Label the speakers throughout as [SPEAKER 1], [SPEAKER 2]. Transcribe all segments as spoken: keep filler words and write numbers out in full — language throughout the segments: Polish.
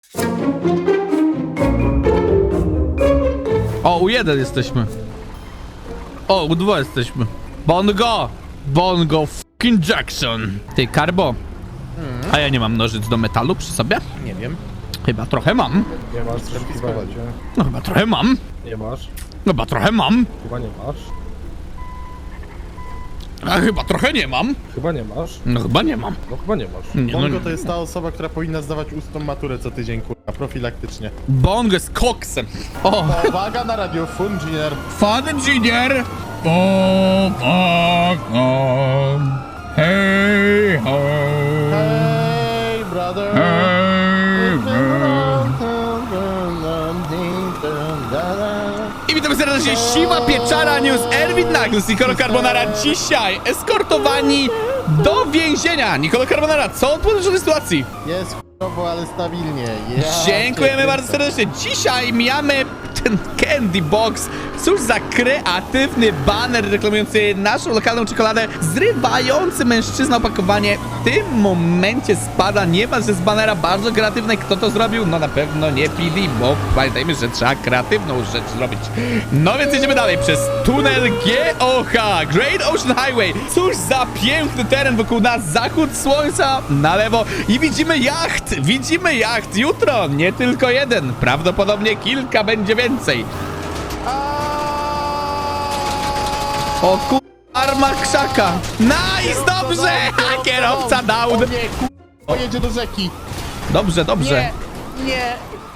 [SPEAKER 1] O, u jeden jesteśmy. O, u dwa jesteśmy. Bongo! Bongo fucking Jackson. Ty, Karbo. A ja nie mam nożyc do metalu przy sobie?
[SPEAKER 2] Nie wiem.
[SPEAKER 1] Chyba trochę mam.
[SPEAKER 3] Nie masz, coś chyba nie.
[SPEAKER 1] No chyba trochę mam.
[SPEAKER 3] Nie masz,
[SPEAKER 1] Chyba trochę mam.
[SPEAKER 3] chyba nie masz,
[SPEAKER 1] A chyba trochę nie mam.
[SPEAKER 3] chyba nie masz,
[SPEAKER 1] No chyba nie mam.
[SPEAKER 3] no chyba nie masz.
[SPEAKER 1] Nie, no,
[SPEAKER 2] Bongo to jest ta osoba, która powinna zdawać ustną maturę co tydzień, kurwa, profilaktycznie.
[SPEAKER 1] Bongo jest koksem. O,
[SPEAKER 2] Uwaga na radio, Fungier.
[SPEAKER 1] Fan Engineer. Bo, bo, bo. Hej, ho.
[SPEAKER 2] Hey, brother.
[SPEAKER 1] Hej, ho. I witamy serdecznie, Siwa Pieczara News, Erwin Naglus, Nicolo Carbonara. Dzisiaj eskortowani do więzienia. Nicolo Carbonara, co odpowiadasz o tej sytuacji?
[SPEAKER 2] Jest chujowo, ale stabilnie. Ja
[SPEAKER 1] Dziękujemy
[SPEAKER 2] cię
[SPEAKER 1] bardzo
[SPEAKER 2] kręcę.
[SPEAKER 1] serdecznie. Dzisiaj mijamy ten Candy Box. Cóż za kreatywny baner reklamujący naszą lokalną czekoladę, zrywający mężczyzna opakowanie. W tym momencie spada, nie że z banera bardzo kreatywne. Kto to zrobił? No na pewno nie P D, bo pamiętajmy, że trzeba kreatywną rzecz zrobić. No więc jedziemy dalej przez tunel G O H, Great Ocean Highway. Cóż za piękny teren wokół nas, zachód słońca na lewo i widzimy jacht, widzimy jacht. Jutro nie tylko jeden, prawdopodobnie kilka będzie więcej. O ku... arma krzaka. Nice, dobrze! A kierowca down.
[SPEAKER 2] O nie, kurwa, jedzie do rzeki.
[SPEAKER 1] Dobrze, dobrze.
[SPEAKER 2] Nie.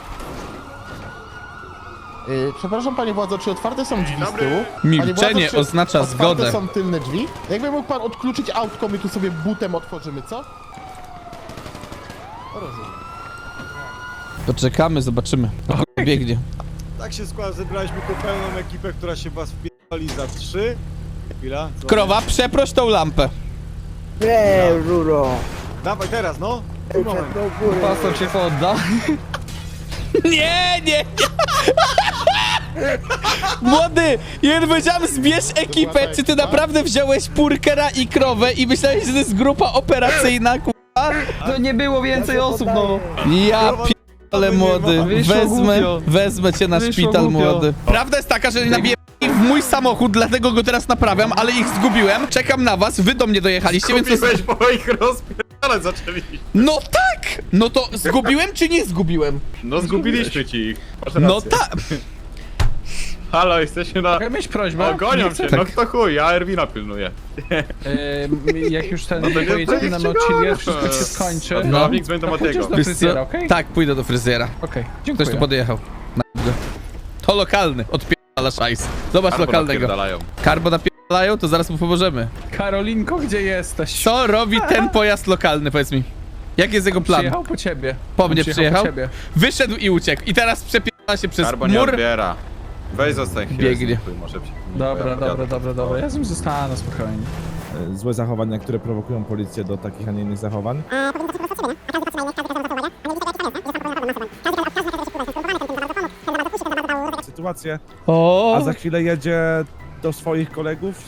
[SPEAKER 2] Yy, przepraszam, panie władzo, czy otwarte są drzwi z tyłu?
[SPEAKER 1] Milczenie
[SPEAKER 2] Panie władzo, czy
[SPEAKER 1] oznacza
[SPEAKER 2] otwarte
[SPEAKER 1] zgodę.
[SPEAKER 2] są tylne drzwi? Jakby mógł pan odkluczyć autko, my tu sobie butem otworzymy, co? Rozumiem.
[SPEAKER 1] Poczekamy, zobaczymy. O, biegnie.
[SPEAKER 4] Tak się składa, zebraliśmy tu pełną ekipę, która się was wpierdoli za trzy. Chwila. co?
[SPEAKER 1] Krowa, przeproś tą lampę.
[SPEAKER 5] Nie, Ruro.
[SPEAKER 4] Dawaj teraz, no. Tu moment.
[SPEAKER 5] Do góry.
[SPEAKER 3] Pastor cię podda.
[SPEAKER 1] Nie, nie, nie. Młody, ja powiedziałem, zbierz ekipę. Czy ty naprawdę wziąłeś Purkera i krowę i myślałeś, że to jest grupa operacyjna, k***a?
[SPEAKER 3] To nie było więcej osób, no.
[SPEAKER 1] Ja p***ale, młody.
[SPEAKER 3] Wyszło
[SPEAKER 1] Wezmę,
[SPEAKER 3] głupio.
[SPEAKER 1] wezmę cię na
[SPEAKER 3] Wyszło
[SPEAKER 1] szpital,
[SPEAKER 3] głupio.
[SPEAKER 1] młody. Prawda jest taka, że nabiję w mój samochód, dlatego go teraz naprawiam, ale ich zgubiłem. Czekam na was, wy do mnie dojechaliście, więc...
[SPEAKER 4] Kupiłeś, bo ich rozpierdalać zaczęliśmy.
[SPEAKER 1] No tak! No to zgubiłem czy nie zgubiłem?
[SPEAKER 4] No zgubiliśmy ci ich. Masz
[SPEAKER 1] No
[SPEAKER 4] rację.
[SPEAKER 1] tak!
[SPEAKER 4] Halo, jesteśmy na...
[SPEAKER 6] Mogę mieć prośbę?
[SPEAKER 4] O, gonią
[SPEAKER 6] Nie
[SPEAKER 4] cię,
[SPEAKER 6] chcę-
[SPEAKER 4] no kto chuj, ja Erwina pilnuję.
[SPEAKER 6] Em, jak już ten
[SPEAKER 4] No to nie
[SPEAKER 6] pojedziemy na
[SPEAKER 4] projekcie
[SPEAKER 6] Nauchilię,
[SPEAKER 4] go.
[SPEAKER 6] wszystko się skończy.
[SPEAKER 4] No,
[SPEAKER 1] No.
[SPEAKER 4] nikt będą
[SPEAKER 6] To
[SPEAKER 4] od
[SPEAKER 6] pójdziesz
[SPEAKER 4] tego.
[SPEAKER 6] do
[SPEAKER 1] Wiesz
[SPEAKER 6] fryzjera,
[SPEAKER 1] co?
[SPEAKER 6] okej?
[SPEAKER 1] Tak, pójdę do fryzjera.
[SPEAKER 6] Okej,
[SPEAKER 1] Ktoś
[SPEAKER 6] dziękuję.
[SPEAKER 1] tu podjechał. Na go. To lokalny, odpierdala szajs. Zobacz
[SPEAKER 4] Albo
[SPEAKER 1] lokalnego.
[SPEAKER 4] napierdalają.
[SPEAKER 1] Karbo napierdalają, to zaraz mu pomożemy.
[SPEAKER 6] Karolinko, gdzie jesteś?
[SPEAKER 1] Co robi ten pojazd lokalny, powiedz mi? Jaki jest jego plan?
[SPEAKER 6] Przyjechał po ciebie.
[SPEAKER 1] Po
[SPEAKER 6] On
[SPEAKER 1] mnie przyjechał?
[SPEAKER 6] Po ciebie.
[SPEAKER 1] Wyszedł i uciekł. I teraz przepierdala się przez
[SPEAKER 4] Karbo nie
[SPEAKER 1] mur.
[SPEAKER 4] odbiera. Weź zostań chwilę.
[SPEAKER 1] Biegnie.
[SPEAKER 4] z nim, może ci-
[SPEAKER 6] Dobra,
[SPEAKER 4] ja
[SPEAKER 6] dobra,
[SPEAKER 4] jadę.
[SPEAKER 6] dobra, dobra. Ja z nim zostanę spokojnie.
[SPEAKER 7] Złe zachowania, które prowokują policję do takich, a nie innych zachowań. Sytuację,
[SPEAKER 1] O,
[SPEAKER 7] a za chwilę jedzie do swoich kolegów.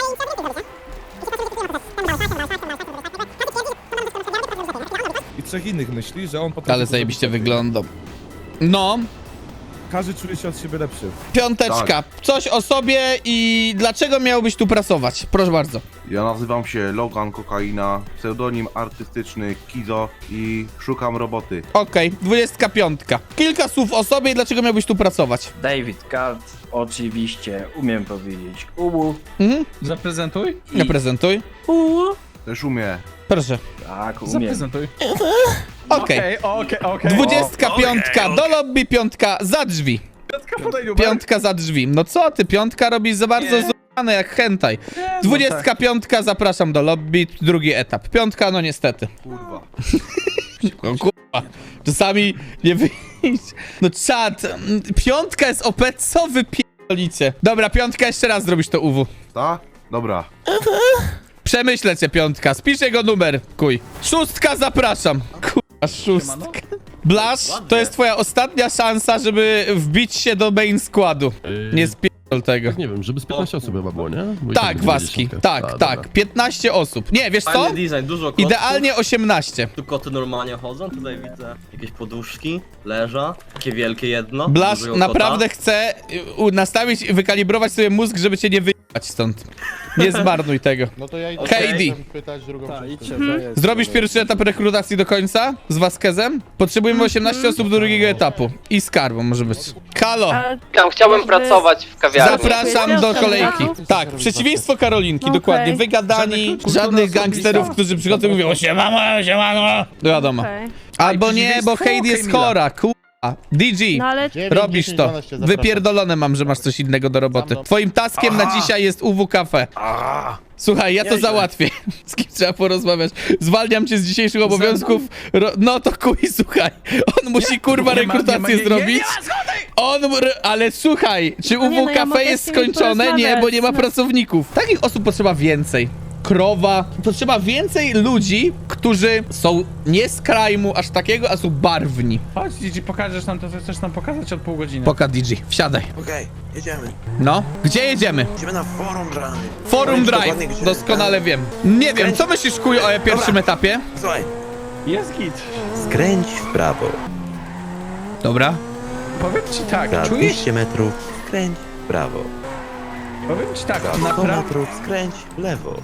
[SPEAKER 7] I trzech innych myśli, że on potrafi...
[SPEAKER 1] ale zajebiście wyglądał. No,
[SPEAKER 7] Każdy czuje się od siebie lepszy.
[SPEAKER 1] piąteczka. Coś o sobie i dlaczego miałbyś tu pracować? Proszę bardzo.
[SPEAKER 8] Ja nazywam się Logan Kokaina, pseudonim artystyczny Kizo i szukam roboty.
[SPEAKER 1] Okej, dwudziestka piątka. Kilka słów o sobie i dlaczego miałbyś tu pracować?
[SPEAKER 5] David Card, oczywiście, umiem powiedzieć ubu.
[SPEAKER 1] Mhm,
[SPEAKER 6] Zaprezentuj.
[SPEAKER 1] nie prezentuj.
[SPEAKER 8] Też umie.
[SPEAKER 1] Proszę.
[SPEAKER 5] Tak, umiem.
[SPEAKER 6] Zaprezentuj.
[SPEAKER 1] Okej.
[SPEAKER 6] Okej, okej, okej.
[SPEAKER 1] Dwudziestka piątka do lobby, piątka za drzwi.
[SPEAKER 6] Piątka, podaj numer.
[SPEAKER 1] Piątka za drzwi. No co ty, piątka robisz za bardzo złamane jak hentai.
[SPEAKER 6] Nie, no
[SPEAKER 1] Dwudziestka
[SPEAKER 6] tak.
[SPEAKER 1] piątka, zapraszam do lobby, drugi etap. Piątka, no niestety.
[SPEAKER 8] Kurwa.
[SPEAKER 1] No kurwa, czasami nie wyjść. No czad, mm, piątka jest O P, co wy pierdolicie? Dobra, piątka, jeszcze raz zrobisz to U W.
[SPEAKER 8] Ta? Dobra.
[SPEAKER 1] Przemyślę cię, piątka, spisz jego numer, kuj. Szóstka, zapraszam. Kurwa, szóstka. Blasz, to jest twoja ostatnia szansa, żeby wbić się do main składu. Nie spierdol tego.
[SPEAKER 9] Nie wiem, żeby z piętnaście osób chyba było, nie? Bo i
[SPEAKER 1] Tak,
[SPEAKER 9] będzie
[SPEAKER 1] Waski,
[SPEAKER 9] dziesiątka.
[SPEAKER 1] tak,
[SPEAKER 9] A,
[SPEAKER 1] tak.
[SPEAKER 9] dobra.
[SPEAKER 1] piętnaście osób. Nie, wiesz co?
[SPEAKER 10] Fajny design, dużo kotów.
[SPEAKER 1] Idealnie osiemnaście.
[SPEAKER 10] Tu koty normalnie chodzą, tutaj widzę jakieś poduszki, leża, takie wielkie jedno.
[SPEAKER 1] Blasz
[SPEAKER 10] dużego
[SPEAKER 1] naprawdę chce y, u- nastawić i wykalibrować sobie mózg, żeby cię nie wyjechać stąd. Nie zmarnuj tego.
[SPEAKER 2] No to ja idę
[SPEAKER 1] K D.
[SPEAKER 2] chcę pytać drugą część.
[SPEAKER 1] Zrobisz pierwszy etap rekrutacji do końca z Vasquezem? Potrzebujemy osiemnaście osób do drugiego etapu. I z Karbą może być. Halo,
[SPEAKER 11] Tam chciałbym pracować w kawiarni.
[SPEAKER 1] zapraszam do kolejki. Tak, przeciwieństwo Karolinki, dokładnie. Wygadani, żadnych gangsterów, którzy przychodzą i mówią siemano, siemano. Wiadomo. Albo nie, bo Heidi jest chora, kurwa. D G,
[SPEAKER 12] No ale
[SPEAKER 2] dziewięć,
[SPEAKER 1] robisz
[SPEAKER 2] dziesięć,
[SPEAKER 1] to.
[SPEAKER 2] dwanaście, zapraszam.
[SPEAKER 1] Wypierdolone mam, że masz coś innego do roboty. Twoim taskiem na dzisiaj jest U W Cafe. Słuchaj, ja to załatwię. Z kim trzeba porozmawiać? Zwalniam cię z dzisiejszych obowiązków. Ro no to kuj, słuchaj. On musi kurwa
[SPEAKER 6] Nie ma- nie ma-
[SPEAKER 1] rekrutację
[SPEAKER 6] nie- nie-
[SPEAKER 1] zrobić.
[SPEAKER 6] nie ma zgody!
[SPEAKER 1] On, r- ale słuchaj, czy
[SPEAKER 12] No nie,
[SPEAKER 1] U W
[SPEAKER 12] no ja mogę
[SPEAKER 1] Cafe jest
[SPEAKER 12] z nimi
[SPEAKER 1] skończone? Nie, bo nie ma
[SPEAKER 12] porozmawiać.
[SPEAKER 1] pracowników. Takich osób potrzeba więcej. Krowa. Potrzeba więcej ludzi, którzy są nie z krajmu aż takiego, a są barwni.
[SPEAKER 6] Chodź, Gigi, pokażesz nam to, co chcesz nam pokazać od pół godziny.
[SPEAKER 1] Poka D G, wsiadaj.
[SPEAKER 11] Okej, jedziemy.
[SPEAKER 1] No, gdzie jedziemy?
[SPEAKER 11] Idziemy na forum drive.
[SPEAKER 1] Forum
[SPEAKER 11] Powiedz
[SPEAKER 1] Drive,
[SPEAKER 11] dokładnie, gdzie.
[SPEAKER 1] doskonale wiem. Nie wiem, co myślisz, kuj, o pierwszym etapie?
[SPEAKER 11] Słuchaj,
[SPEAKER 6] Jest git.
[SPEAKER 11] skręć w prawo.
[SPEAKER 1] Dobra.
[SPEAKER 6] Powiem ci tak,
[SPEAKER 11] Za
[SPEAKER 6] czujesz?
[SPEAKER 11] dwieście metrów skręć w prawo.
[SPEAKER 6] Powiem ci tak,
[SPEAKER 11] Za sto
[SPEAKER 6] naprawdę...
[SPEAKER 11] metrów skręć w lewo.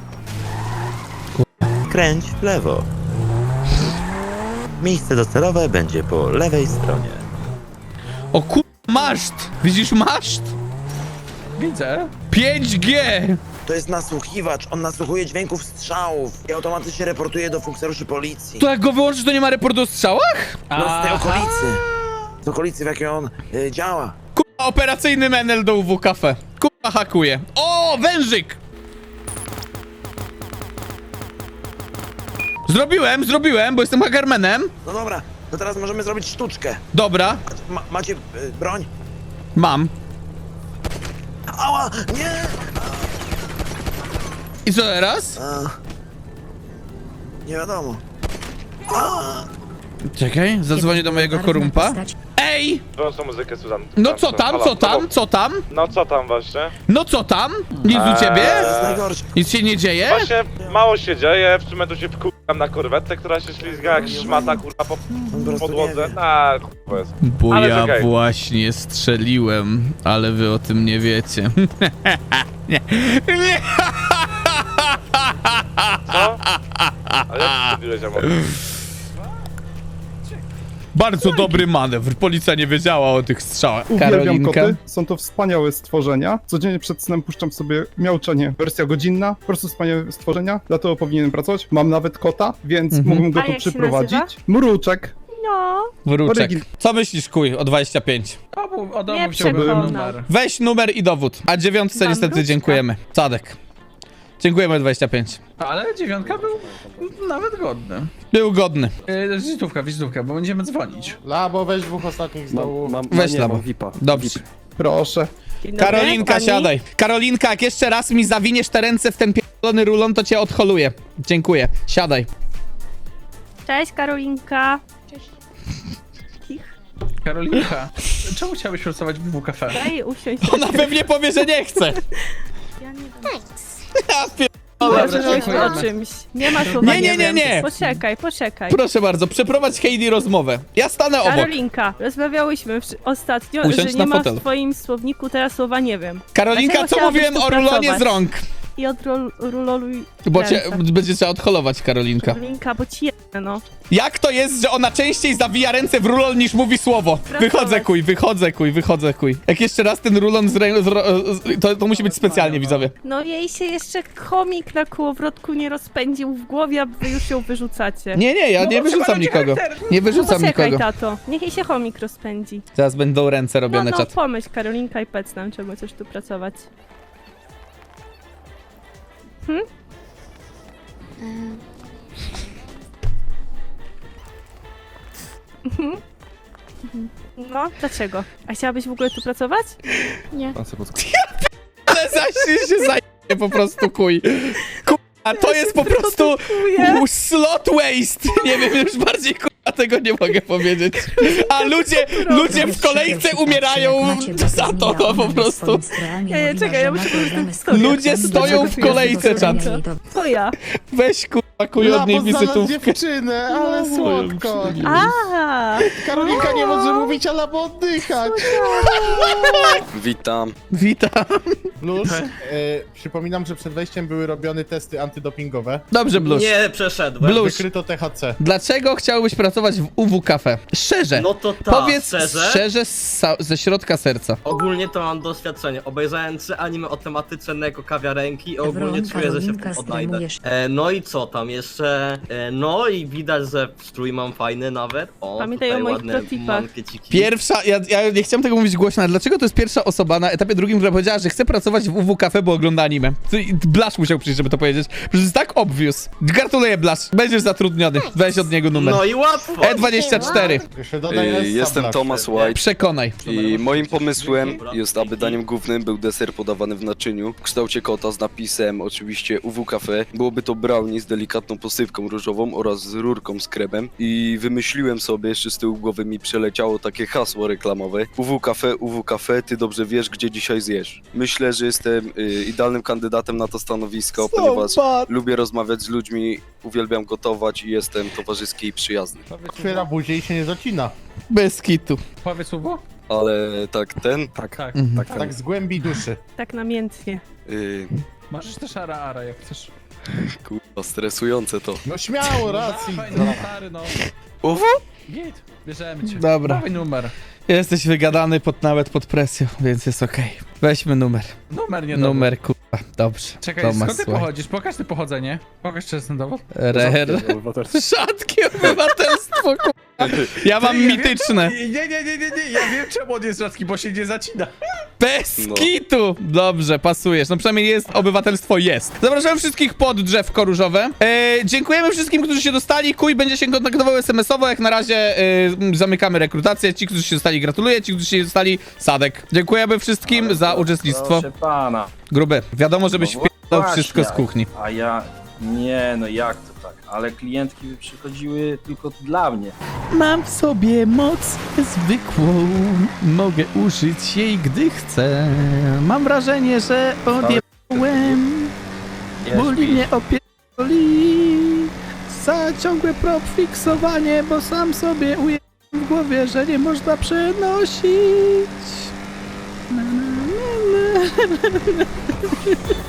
[SPEAKER 11] Skręć w lewo. Miejsce docelowe będzie po lewej stronie.
[SPEAKER 1] O kur... maszt! Widzisz maszt?
[SPEAKER 6] Widzę.
[SPEAKER 1] pięć G!
[SPEAKER 11] To jest nasłuchiwacz, on nasłuchuje dźwięków strzałów i automatycznie reportuje do funkcjonariuszy policji.
[SPEAKER 1] To jak go wyłączysz, to nie ma reportu o strzałach?
[SPEAKER 11] No z tej okolicy. Z okolicy, w jakiej on y, działa.
[SPEAKER 1] Kurwa, operacyjny menel do U W Cafe. Kurwa, hakuje. O, wężyk! Zrobiłem, zrobiłem, bo jestem hackermanem.
[SPEAKER 11] No dobra, to teraz możemy zrobić sztuczkę.
[SPEAKER 1] Dobra,
[SPEAKER 11] Ma, macie y, broń?
[SPEAKER 1] mam.
[SPEAKER 11] Ała! Nie!
[SPEAKER 1] I co teraz?
[SPEAKER 11] A, nie wiadomo.
[SPEAKER 1] Czekaj, zadzwonię do mojego korumpa. Ej!
[SPEAKER 13] Wyłącz muzykę, Susan.
[SPEAKER 1] No co tam, co tam, co tam?
[SPEAKER 13] No co tam właśnie?
[SPEAKER 1] No co tam? Nic u ciebie?
[SPEAKER 11] To jest najgorsze.
[SPEAKER 1] Nic się nie dzieje?
[SPEAKER 13] Właśnie mało się dzieje, w sumie tu się wkurzam na korwetę, która się ślizga jak szmata kurwa po
[SPEAKER 11] On po prostu nie
[SPEAKER 13] podłodze.
[SPEAKER 11] wie.
[SPEAKER 13] Na kurwa jest.
[SPEAKER 1] Bo
[SPEAKER 13] Ale
[SPEAKER 1] ja
[SPEAKER 13] czekaj.
[SPEAKER 1] właśnie strzeliłem, ale wy o tym nie wiecie. nie. Nie.
[SPEAKER 13] Co? A jak strzeliłeś, amor?
[SPEAKER 1] Bardzo dobry manewr. Policja nie wiedziała o tych strzałach.
[SPEAKER 7] Uwielbiam
[SPEAKER 1] Karolinka.
[SPEAKER 7] koty, są to wspaniałe stworzenia. Codziennie przed snem puszczam sobie miauczenie, wersja godzinna, po prostu wspaniałe stworzenia, dlatego powinienem pracować. Mam nawet kota, więc
[SPEAKER 1] Mhm.
[SPEAKER 7] mógłbym go
[SPEAKER 12] A
[SPEAKER 7] tu
[SPEAKER 12] jak się
[SPEAKER 7] przyprowadzić.
[SPEAKER 12] nazywa?
[SPEAKER 7] Mruczek.
[SPEAKER 12] no,
[SPEAKER 1] Wróczek.
[SPEAKER 7] Orygin-
[SPEAKER 1] Co myślisz, kuj, o dwadzieścia pięć?
[SPEAKER 6] Obu, od
[SPEAKER 12] Nie
[SPEAKER 6] obu chciałbym
[SPEAKER 12] przekonał.
[SPEAKER 6] numer.
[SPEAKER 1] Weź numer i dowód. A dziewiątce
[SPEAKER 12] Mam
[SPEAKER 1] niestety
[SPEAKER 12] wróczka.
[SPEAKER 1] dziękujemy. Sadek. Dziękujemy dwadzieścia pięć.
[SPEAKER 6] Ale dziewiątka był nawet godny.
[SPEAKER 1] Był godny.
[SPEAKER 6] Yy, wizytówka, wizytówka, bo będziemy dzwonić.
[SPEAKER 2] Labo, weź dwóch ostatnich z dołu.
[SPEAKER 1] Weź labo. Dobrze.
[SPEAKER 7] Proszę.
[SPEAKER 12] dzień dobry,
[SPEAKER 1] Karolinka,
[SPEAKER 12] pani.
[SPEAKER 1] siadaj. Karolinka, jak jeszcze raz mi zawiniesz te ręce w ten pierdolony rulon, to cię odholuję. Dziękuję. Siadaj.
[SPEAKER 12] Cześć Karolinka.
[SPEAKER 6] Karolinka, czemu chciałbyś pracować w W Cafe?
[SPEAKER 12] Daj usiąść.
[SPEAKER 1] Ona pewnie powie, że nie chce.
[SPEAKER 12] Ja nie wiem.
[SPEAKER 1] Ja pier...
[SPEAKER 6] Dobra,
[SPEAKER 12] Możesz
[SPEAKER 6] dziękujemy.
[SPEAKER 12] o czymś. Nie ma słowa
[SPEAKER 1] Nie, nie, nie,
[SPEAKER 12] wiem.
[SPEAKER 1] nie.
[SPEAKER 12] Poczekaj, poczekaj.
[SPEAKER 1] Proszę bardzo, przeprowadź Heidi rozmowę. Ja stanę obok.
[SPEAKER 12] Karolinka, rozmawiałyśmy w- ostatnio,
[SPEAKER 1] Usiądź
[SPEAKER 12] że
[SPEAKER 1] na
[SPEAKER 12] nie ma
[SPEAKER 1] fotelu.
[SPEAKER 12] w twoim słowniku teraz słowa nie wiem.
[SPEAKER 1] Karolinka,
[SPEAKER 12] Dlaczego
[SPEAKER 1] co mówiłem o
[SPEAKER 12] chciałabyś tu
[SPEAKER 1] rulonie z
[SPEAKER 12] pracować?
[SPEAKER 1] rąk?
[SPEAKER 12] I odroluj
[SPEAKER 1] Bo cię
[SPEAKER 12] ręce.
[SPEAKER 1] będzie trzeba odholować, Karolinka.
[SPEAKER 12] Karolinka, bo ci jedne, no.
[SPEAKER 1] Jak to jest, że ona częściej zawija ręce w rulon niż mówi słowo?
[SPEAKER 12] Pracować.
[SPEAKER 1] Wychodzę kuj, wychodzę kuj, wychodzę kuj. Jak jeszcze raz ten rulon z rę... z ro... z- to, to musi być specjalnie, widzowie.
[SPEAKER 12] No jej się jeszcze chomik na kołowrotku nie rozpędził w głowie, a wy już ją wyrzucacie.
[SPEAKER 1] Nie, nie, ja
[SPEAKER 6] No,
[SPEAKER 1] nie
[SPEAKER 6] bo trzeba
[SPEAKER 1] wyrzucam
[SPEAKER 6] robić
[SPEAKER 1] nikogo.
[SPEAKER 6] charakter.
[SPEAKER 1] Nie
[SPEAKER 12] No
[SPEAKER 1] wyrzucam
[SPEAKER 12] poczekaj,
[SPEAKER 1] nikogo.
[SPEAKER 12] tato. Niech jej się chomik rozpędzi.
[SPEAKER 1] Teraz będą ręce
[SPEAKER 12] No,
[SPEAKER 1] robione,
[SPEAKER 12] no,
[SPEAKER 1] czat.
[SPEAKER 12] pomyśl, Karolinka i Pec nam, czemu chcesz tu pracować. Hm? Mhm. No, dlaczego? A chciałabyś w ogóle tu pracować? Nie.
[SPEAKER 1] Ale zaś się zajmie po prostu kuj. Ku... A to jest po prostu
[SPEAKER 12] produkuję.
[SPEAKER 1] slot waste. Nie wiem, już bardziej kurwa Ja tego nie mogę powiedzieć. A ludzie, ludzie w kolejce umierają za to, no po prostu.
[SPEAKER 12] Nie, nie, czekaj, ja muszę powiedzieć tę historię.
[SPEAKER 1] Ludzie stoją w kolejce, czat.
[SPEAKER 12] To ja.
[SPEAKER 1] Weź kurwa kuj od niej
[SPEAKER 2] Labo znalazł
[SPEAKER 1] wizytówkę.
[SPEAKER 2] dziewczynę, ale słodko.
[SPEAKER 12] A,
[SPEAKER 2] Karolinka nie może mówić, ale bo oddychać.
[SPEAKER 10] Witam.
[SPEAKER 1] Witam.
[SPEAKER 2] Plus, e, przypominam, że przed wejściem były robione testy antydopingowe.
[SPEAKER 1] Dobrze, Blusz.
[SPEAKER 10] Nie przeszedłem.
[SPEAKER 1] Blusz,
[SPEAKER 2] Wykryto T H C.
[SPEAKER 1] dlaczego chciałbyś pracować w U W Cafe? Szczerze.
[SPEAKER 10] No to tak,
[SPEAKER 1] Powiedz
[SPEAKER 10] szczerze?
[SPEAKER 1] szczerze z sa- ze środka serca.
[SPEAKER 10] Ogólnie to mam doświadczenie. Obejrzałem trzy anime o tematyce Neko kawiarenki i ogólnie czuję, że się w tym odnajdę. E, no i co tam jeszcze? E, no i widać, że strój mam fajny nawet. O,
[SPEAKER 12] Pamiętaj
[SPEAKER 10] tutaj
[SPEAKER 12] o moich
[SPEAKER 10] ładne
[SPEAKER 12] protipach.
[SPEAKER 10] mankieciki.
[SPEAKER 1] Pierwsza, ja, ja nie chciałem tego mówić głośno, ale dlaczego to jest pierwsza osoba na etapie drugim, która powiedziała, że chce pracować w U W Cafe, bo ogląda anime? Ty- Blasz musiał przyjść, żeby to powiedzieć. Przecież to jest tak obvious. Gratuluję, Blasz. Będziesz zatrudniony. Weź od niego numer.
[SPEAKER 10] No i łatwo!
[SPEAKER 1] E dwadzieścia cztery.
[SPEAKER 2] Jeszcze dodaj S,
[SPEAKER 14] Jestem
[SPEAKER 2] Black.
[SPEAKER 14] Thomas White
[SPEAKER 1] Przekonaj.
[SPEAKER 14] i moim pomysłem jest, aby daniem głównym był deser podawany w naczyniu w kształcie kota z napisem oczywiście U W Cafe. Byłoby to brownie z delikatną posypką różową oraz z rurką z kremem i wymyśliłem sobie, jeszcze z tyłu głowy mi przeleciało takie hasło reklamowe: U W Cafe, U W Cafe, ty dobrze wiesz, gdzie dzisiaj zjesz. Myślę, że jestem y, idealnym kandydatem na to stanowisko, ponieważ lubię rozmawiać z ludźmi, uwielbiam gotować i jestem towarzyski i przyjazny.
[SPEAKER 2] Otwiera buzię i się nie zacina.
[SPEAKER 1] Bez kitu.
[SPEAKER 6] Powiedz słowo?
[SPEAKER 14] Ale tak ten,
[SPEAKER 6] Tak. Tak.
[SPEAKER 1] Mhm.
[SPEAKER 6] tak,
[SPEAKER 2] Tak z głębi duszy.
[SPEAKER 12] tak namiętnie.
[SPEAKER 14] y,
[SPEAKER 6] Możesz też ara ara, jak chcesz.
[SPEAKER 14] kurwa, stresujące to.
[SPEAKER 2] No śmiało, racji.
[SPEAKER 6] Dawaj, no stary, no.
[SPEAKER 14] U W?
[SPEAKER 6] Git, bierzemy cię.
[SPEAKER 1] Dobra.
[SPEAKER 6] Dawaj numer.
[SPEAKER 1] Jesteś wygadany pod, nawet pod presją, więc jest okej. Weźmy numer.
[SPEAKER 6] Numer nie
[SPEAKER 1] Numer, kurwa. Dobrze.
[SPEAKER 6] Czekaj,
[SPEAKER 1] Tomasz,
[SPEAKER 6] skąd ty
[SPEAKER 1] słuchaj.
[SPEAKER 6] pochodzisz? Pokaż ty pochodzenie. Pokaż czesny dowód.
[SPEAKER 1] Rer. Rzadkie obywatelstwo, kurwa. Ja mam
[SPEAKER 6] Ty, ja
[SPEAKER 1] mityczne.
[SPEAKER 6] Wiem, nie, nie, nie, nie, nie, ja wiem czemu on jest rzadki, bo się nie zacina.
[SPEAKER 1] Bez
[SPEAKER 14] No.
[SPEAKER 1] kitu! Dobrze, pasujesz. No przynajmniej jest, obywatelstwo jest. Zapraszamy wszystkich pod drzewko różowe. E, dziękujemy wszystkim, którzy się dostali. Kuj będzie się kontaktował es em esowo. Jak na razie e, zamykamy rekrutację. Ci, którzy się dostali, gratuluję. Ci, którzy się dostali, Sadek. Dziękujemy wszystkim za uczestnictwo.
[SPEAKER 5] Proszę pana.
[SPEAKER 1] Gruby, wiadomo, żebyś
[SPEAKER 5] No
[SPEAKER 1] wpierdał
[SPEAKER 5] właśnie,
[SPEAKER 1] wszystko z kuchni.
[SPEAKER 5] A ja... Nie, no jak to tak? Ale klientki by przychodziły tylko dla mnie.
[SPEAKER 1] Mam w sobie moc zwykłą. Mogę użyć jej, gdy chcę. Mam wrażenie, że odjebałem. Boli mnie opierdoli. Za ciągłe propfiksowanie, bo sam sobie ujęłem w głowie, że nie można przenosić. Na, na, na, na, na, na.